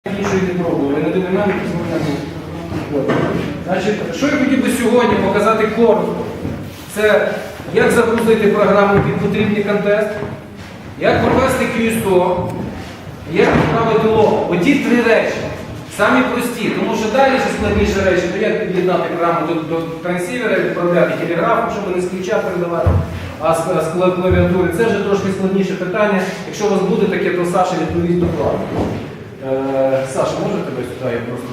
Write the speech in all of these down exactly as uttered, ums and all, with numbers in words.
Іншої не пробували, ви не динаміки змінили. Значить, що я хотів би сьогодні показати коротко, це як загрузити програму під потрібний контест, як провести кью ес о, як відправити лог. Оті три речі, самі прості, тому що далі ще складніші речі, то як під'єднати програму до, до трансівера, відправляти телеграфом, щоб не з ключа передавати, а з, з клавіатури. Це вже трошки складніше питання. Якщо у вас буде таке, то Саша відповість докладно. Е, Саша, може тебе сюди? Я просто...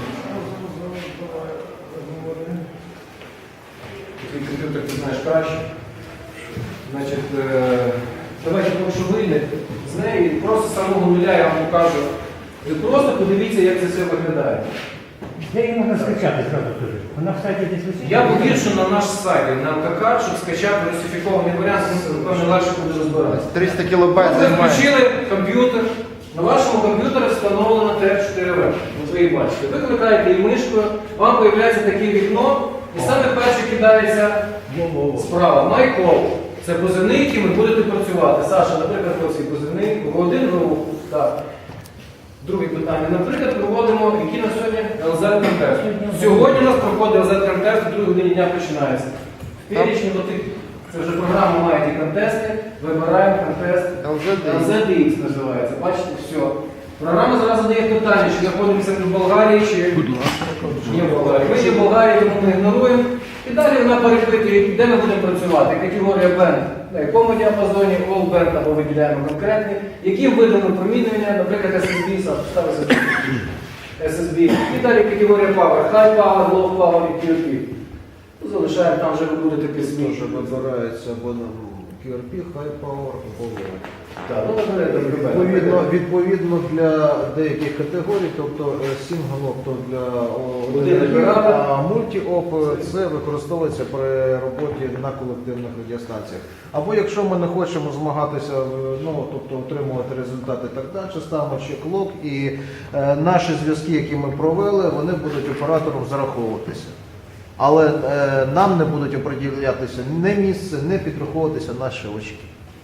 Такий комп'ютер ти знаєш краще. Значить, е, давайте, якщо вийде з неї, просто з самого нуля я вам покажу. Ви просто подивіться, як це все виглядає. Де її можна скачати, зразу кажу? Вона в сайті десь висить? Я повіршу на наш сайт, на ЛКК, щоб скачати русифікований варіант, напевно, легше буде розбиратися. триста кілобайт Ви займає. включили комп'ютер, на вашому комп'ютері встановлено Т Ф чотири В. Ви її бачите. Ви кликаєте її мишкою, вам з'являється таке вікно, і саме перше кидається справа. MyCall. Це позивний, яким ви будете працювати. Саша, наприклад, ось цей позивний, один рух. Так. Друге питання. Наприклад, проводимо, який на сьогодні ел зет контест. Сьогодні у нас проходить ел зет контест, в другій годині дня починається. В перечні отих, це вже програма має ті контести, вибираємо контест ел зет ікс називається. Бачите, все. Програма зараз задає питання, чи знаходимося в Болгарії, чи ні в Болгарії. Ми є в Болгарії, тому ми ігноруємо. І далі вона перепитує, де ми будемо працювати. Категорія бенд, на якому діапазоні, all band або виділяємо конкретні, яким видом промінювання, наприклад, ес ес бі, ставиться ес ес бі. І далі категорія power, high power, low power і кью ар пі. Залишаємо, там вже ви будете пісні. Що вибирається або на кью ар пі, High Power, або Low. Так, ну, наприклад, Відповідно, відповідно для деяких категорій, тобто сінгл-оп, то для Один а мульті-оп це використовується при роботі на колективних радіостанціях. Або якщо ми не хочемо змагатися, ну, тобто отримувати результати і так далі, ставимо ще клок і е, наші зв'язки, які ми провели, вони будуть оператором зараховуватися. Але е, нам не будуть оприділятися не місце, не підраховуватися наші очки.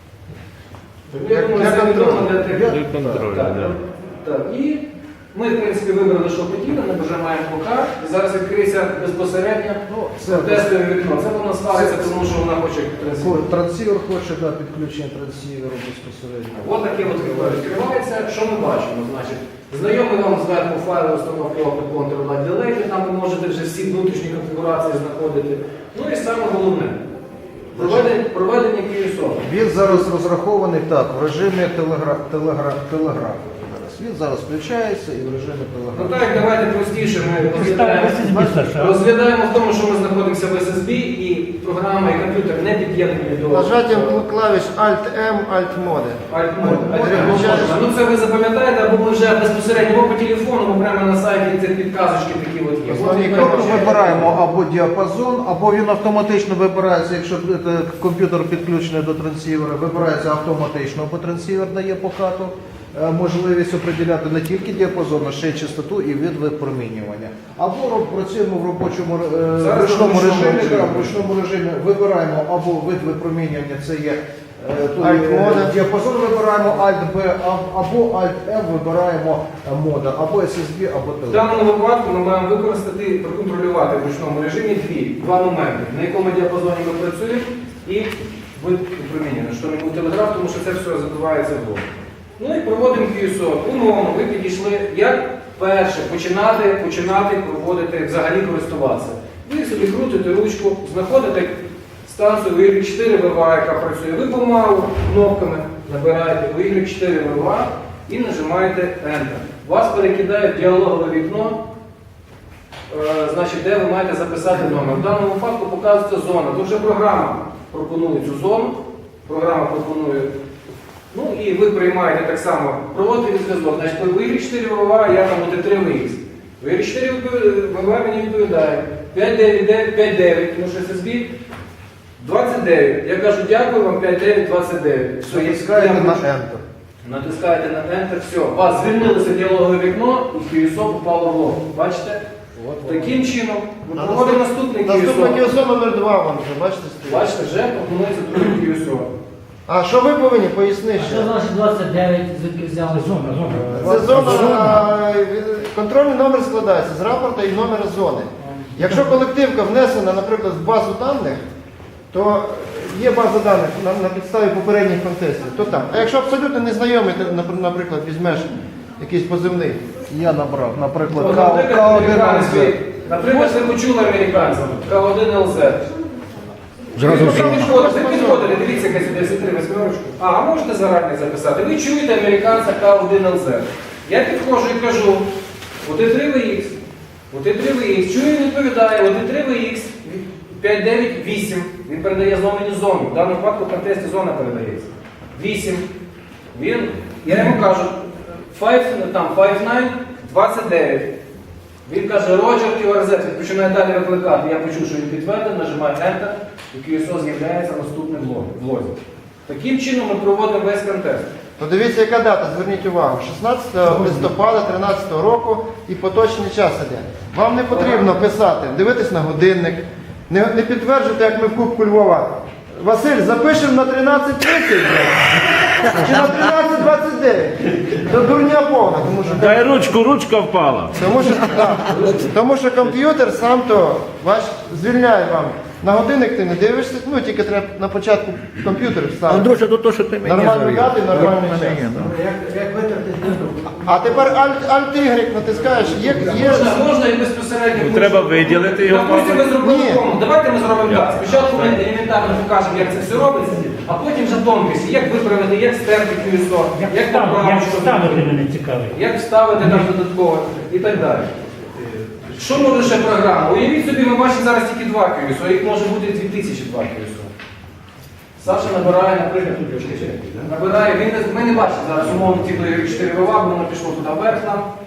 Я думаю, Для це контролю. відомо для тих. Для контролю, Так, да. так. І ми, в принципі, вибрали, що хотіли, ми нажимаємо пока, і зараз відкриється безпосередньо Ну, це тестове вікно. Це воно ставиться, тому що вона хоче трансфер. Трансівер хоче, да, підключення трансіверу безпосередньо. Ось таке от вікно відкривається. Що ми бачимо? Значить, знайомий вам зверху файл установки Control Delete, там ви можете вже всі внутрішні конфігурації знаходити. Ну і саме головне, проведення, проведення кью ес о. Він зараз розрахований так, в режимі телегра... телегра... телеграфу. Він зараз включається і в режимі Ну телеграфу. так, давайте простіше, ми розглядаємо, ес ес бі, Саша. розглядаємо в тому, що ми знаходимося в ес ес бі і програма і комп'ютер не під'єднані до Нажаттям клавіш Alt-M, Alt-Mode. Alt-мод. Включаєш. Ну це ви запам'ятаєте, або ми вже безпосередньо по телефону, бо прямо на сайті ці підказочки такі от є. Основні От ви команди. бачите. Вибираємо або діапазон, або він автоматично вибирається, якщо це комп'ютер підключений до трансівера, вибирається автоматично, бо трансівер дає покату. е, Можливість определяти не тільки діапазон, а ще й частоту і вид випромінювання. Або роб- працюємо в робочому е, в Зараз ручному в ручному режимі, режимі. да, в ручному режимі вибираємо або вид випромінювання, це є е, то є, Alt-мода. діапазон вибираємо Alt-B, або Alt-M вибираємо е, мода, або ес ес бі, або В телефон. даному випадку ми маємо використати, проконтролювати в ручному режимі дві, два моменти, на якому діапазоні ми працюємо і вид випромінювання, що не був телеграф, тому що це все забивається в голову. Ну і проводимо кью ес о. Умовно, ви підійшли, як перше, починати, починати проводити, взагалі користуватися. Ви собі крутите ручку, знаходите станцію у ігрек чотири ве ва, яка працює. Ви помалу кнопками набираєте у ігрек чотири ве ва і нажимаєте Enter. Вас перекидає в діалогове вікно, е, значить, де ви маєте записати номер. В даному випадку показується зона. Тут вже програма пропонує цю зону, програма пропонує. Ну і ви приймаєте так само проводити зв'язок. Значить, в ігрек чотири ве ва я там буде три ве ікс. В ігрек чотири ве ва мені відповідає п'ять дев'ять п'ять дев'ять, тому що ес ес бі двадцять дев'ять. Я кажу, дякую вам, п'ять дев'ять двадцять дев'ять. Все, я- Натискаєте я на включу. Enter. Натискаєте на Enter, все. У вас звільнилося діалогове вікно і кью ес о попало в лог. Бачите? Таким чином ми проводимо наступний кью ес Наступний кью о. ес о номер два вам вже, бачите, стоїть. Бачите, вже пропонується другий кью ес о. А що ви повинні? Поясни А що ще. значить двадцять дев'ять, звідки взяли? Зона, зона. Це зона, а, від- контрольний номер складається з рапорта і номера зони. Якщо колективка внесена, наприклад, в базу даних, то є база даних на, на підставі попередніх контестів, то там. А якщо абсолютно незнайомий, ти, напр- наприклад, візьмеш якийсь позивний, Я набрав, наприклад, От, К Наприклад, один американець, Л З. ви- наприклад, ви почули американців, К один Л З. Зразу Ви всі. підходите, ви підходите, дивіться, яка сюди сітри восьмерочку. А, а можете зарані записати? Ви чуєте американця К один Л З. Я підходжу і кажу, от три В Х, от три В Х, чую, він відповідає, от три В Х, п'ять дев'ять вісім. Він передає з номені зону. В даному випадку в контесті зона передається. вісім. Він, я йому кажу, п'ять, там, п'ять дев'ять, двадцять дев'ять. Він каже, Роджер Q R Z, він починає далі викликати. Я почув, що він підтвердив, нажимаю Enter, і Q S O з'являється наступним в лозі. Таким чином ми проводимо весь контест. то дивіться, яка дата, зверніть увагу, шістнадцятого листопада тринадцятого року і поточний час іде. Вам не потрібно писати, дивитись на годинник, не, не підтверджуйте, як ми в Кубку Львова. Василь, запишемо на тринадцять тридцять чи на тринадцять двадцять дев'ять. Це дурня повна, тому що... Дай ручку, ручка впала. Тому що, так, тому що комп'ютер сам то ваш звільняє вам. На годинник ти не дивишся, ну тільки треба на початку комп'ютер вставити. Андрюша, то то, що ти мені Нормальну завів. дату і нормальний час. А тепер Alt-Y натискаєш, є, є... Можна, можна і безпосередньо. Ну, треба виділити його. Допустимо, ми зробили Ні. кому. Давайте ми зробимо так. Спочатку ми елементарно покажемо, як це все робиться, а потім вже тонкості, як виправити, як стерти Q S O, Як як ставити, поправити, як що ставити зробити, мене цікавить. як вставити там додатково і так далі. Що може ще програма? Уявіть собі, ми бачимо зараз тільки два Q S O, їх може бути дві тисячі два Q S O. Саша набирає, наприклад, набирає, він не, ми не бачимо зараз умовно ті чотири вива, бо воно пішло туди вверх нам.